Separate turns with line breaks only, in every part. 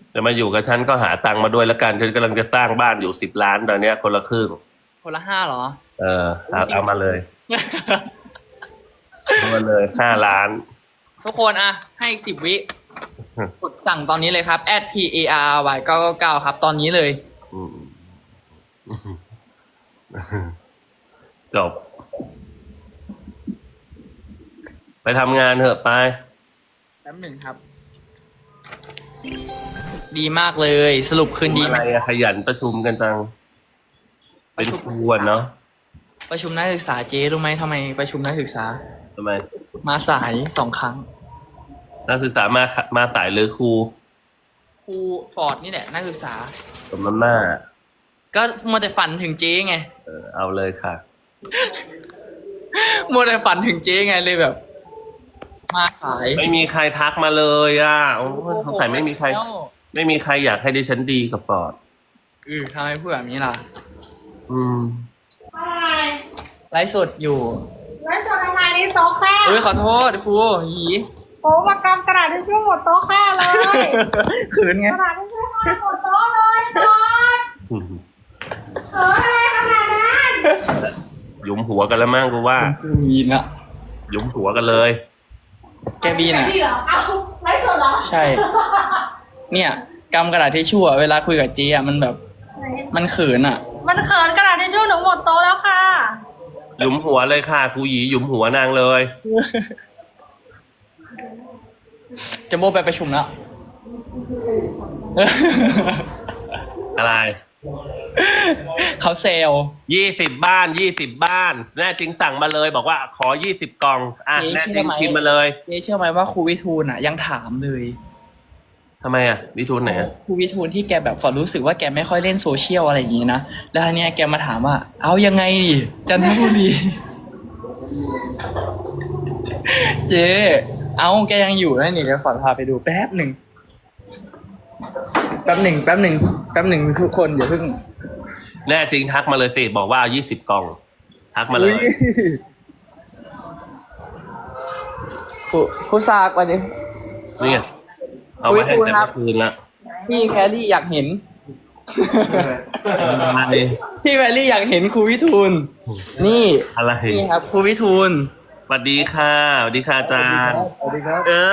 จะมาอยู่กับฉันก็หาตังค์มาด้วยแล้วกันฉันกำลังจะสร้างบ้านอยู่10 ล้านตอนเนี้ยคนละครึ่ง
คนละ5เหรอ
เอามาเลยเอามาเลย5 ล้าน
ทุกคนอะให้อีก10 วิกดสั่งตอนนี้เลยครับ @PARY999 ครับ ตอนนี้เลย
อืมจบ ไปทำงานเถอะไป
แป๊บหนึ่งครับ ดีมากเลย สรุปคืนดี
อะ
ไหม
ไรอะขยันประชุมกันจัง เป็นครูอะเนาะ
ประชุมนักศึกษาเจ๊รู้ไหมทำไมประชุมนักศึกษา
ทำไม
มาสาย2 ครั้ง
นักศึกษามาสายหรือครู
ครูฟอร์ดนี่แหละนักศึกษา
สมน้ำหน้า
ก็มัวแต่ฝันถึงเจ๊ไง
เอาเลยค่ะ
มัวแต่ฝันถึงเจ๊ไงเลยแบบ มาสาย
ไม่มีใครทักมาเลยอ่ะโอ้ยสงสัยไม่มีใครอยากให้ดิฉันดีกับปอด
ทำไมพูดแบบนี้ล่ะ
อืม
ไลฟ์สดอยู่
ไลฟ์สดทำไมนี่โต๊ะแค่
ขอโทษครูหยี
โอ้มากำกระดาษทิชชู่หมดโต๊ะแค่เลย
ขืนไง
กระดาษทิชชู่หมดโต๊ะเลยก่อนอะไรขนาดนั้น
หยุมหัวกันแล้วมั้งกูว่า
คือมีนอะ
หยุมหัวกันเลย
แกบีนอะ
เหรอเอาไลฟ์สดเหรอ
ใช่ เนี่ยกำกระดาษทิชชู่อะเวลาคุยกับเจ๊อะมันแบบ มันเขินอะ
มันเขินกระดาษทิชชู่หนูหมดโต๊ะแล้วค่ะ
หยุมหัวเลยค่ะครูหยีหยุมหัวนางเลย
จะโบไปประชุมแล้ว
อะไร
เขาเซล
20 บ้านแน่จริงสั่งมาเลย บอกว่าขอ20 กล่องแน่จริงพิมพ์มาเลย
เจ๊เชื่อไหมว่าครูวิทูลอะยังถามเลย
ทำไมอ่ะวิทูลไหนอะ
ครูวิทูลที่แกแบบฝอรู้สึกว่าแกไม่ค่อยเล่นโซเชียลอะไรอย่างงี้นะ แล้วทีเนี้ยแกมาถามว่า เอายังไงดิจันทบุรี เจ๊เอาแกยังอยู่นะนี่เดี๋ยวฝอพาไปดูแป๊บหนึ่งทุกคนเดี๋ยวเพิ่ง
แน่จริงทักมาเลยสิบอกว่าเอา20 กล่อง ทักมาเลย
ครูซากวันนี้
นี่ไงเอามาให้
อุ๊ย
แต่
ครับ
เมื่อคืนละ
พี่แครี่อยากเห็น
อะไร
พี่แครี่อยากเห็นครูวิทูลนี่
อะไร
นี่ครับครูวิทูล
สวัสดีค่ะสวัสดีค่ะอาจารย์
สวัสดีครับ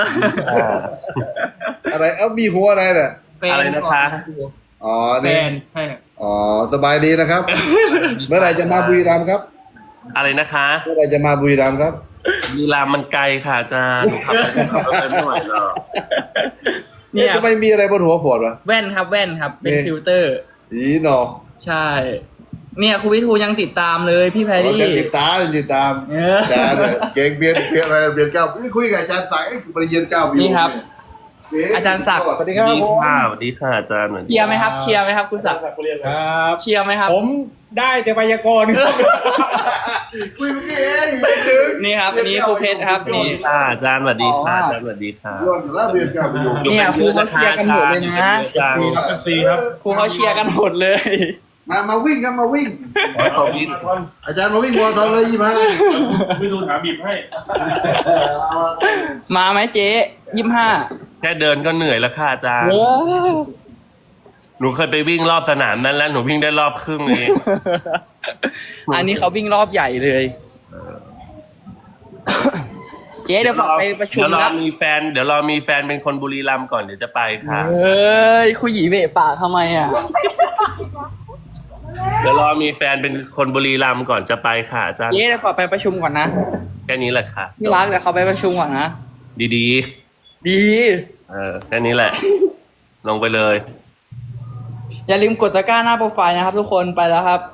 อ่า
อะไรมีหัวอะไรเนี่ย
อะไรนะคะ
อ๋อ
แฟ
นี่
นใช่
อ๋อสบายดีนะครับ เมื่อไหร่จะมาบุรีรัมย์ครับ
อะไรนะคะ
เมื่อไหร่จะมาบุรีรัมย์ครับ
ลีลามันไกลค่ะอาจารย์ขับไปไม่ไหวหรอก
เนี่ย
จะไม่มีอะไรบนหัวฝนวะ
แว่นครับเป็น
นี่
ฟิลเตอร์
อีหนอ
ใช่ เนี่ยครูวิทูลยังติดตามเลยพี่แพร
อ๋อ
รี่
จะติดตามอาจารย์เนี่ยเก่งเบียนอะไรเบียนเก้านี่คุยกับอาจารย์สายปริญญาเก้าวิว
นี่ครับ
เก่ง
อาจารย์ศักดิ์
สวัสดี
ส
ครั
วั
บ
สดี
ผม
ค่ะสวัสดีค่ะอาจารย์
เชียร์ไหมครับเชียร์ไหมครับคุณศักดิ์
ครับ
เชียร์ไหมครับ
ผมได้แต่ไวยากรณ์ครับ
คุยเมื่อกี้เอง
นี่ครับอันนี้ครูเพชรครับนี่
ค่ะอาจารย์สวัสดีค่ะอาจารย์สวัสดีค่ะ
ย้อนอยู่แล้วเบียนเก้าวิว
เนี่ยครูเขาเชียร์กันหมดเลยนะ
ซีครับ
ครูเขาเชียร์กันหมดเลย
มาวิ่งครับมาวิ่ง
ขอวิ่ง
อาจารย์มาวิ่งมาราธอนเลย25
ไม่ดูถามบีบให้
มาไหมเจ๊
แค่เดินก็เหนื่อยแล้วค่ะอาจารย์หนูเคยไปวิ่งรอบสนามนั้นแล้วหนูวิ่งได้รอบครึ่งเอง
อันนี้เขาวิ่งรอบใหญ่เลย เจ๊เดี๋ยวฝากไปประชุม
เดี๋ยวรอ
แล้ว
มีแฟนเป็นคนบุรีรัมย์ก่อนเดี๋ยวจะไปค่ะ
เฮ้ยคุยหยีเบะปากทำไมอ่ะ
เดี๋ยวรอมีแฟนเป็นคนบุรีรัมย์ก่อนจะไปค่ะอาจารย์
เจ๊เดี๋ยวฝากไปประชุมก่อนนะ
แค่นี้แหละค่ะ
พี่รักเดี๋ยวเขาไปประชุมก่อนนะ
ดี
ดี
แค่นี้แหละ ลงไปเลย
อย่าลืมกดตะกร้าหน้าโปรไฟล์นะครับทุกคนไปแล้วครับ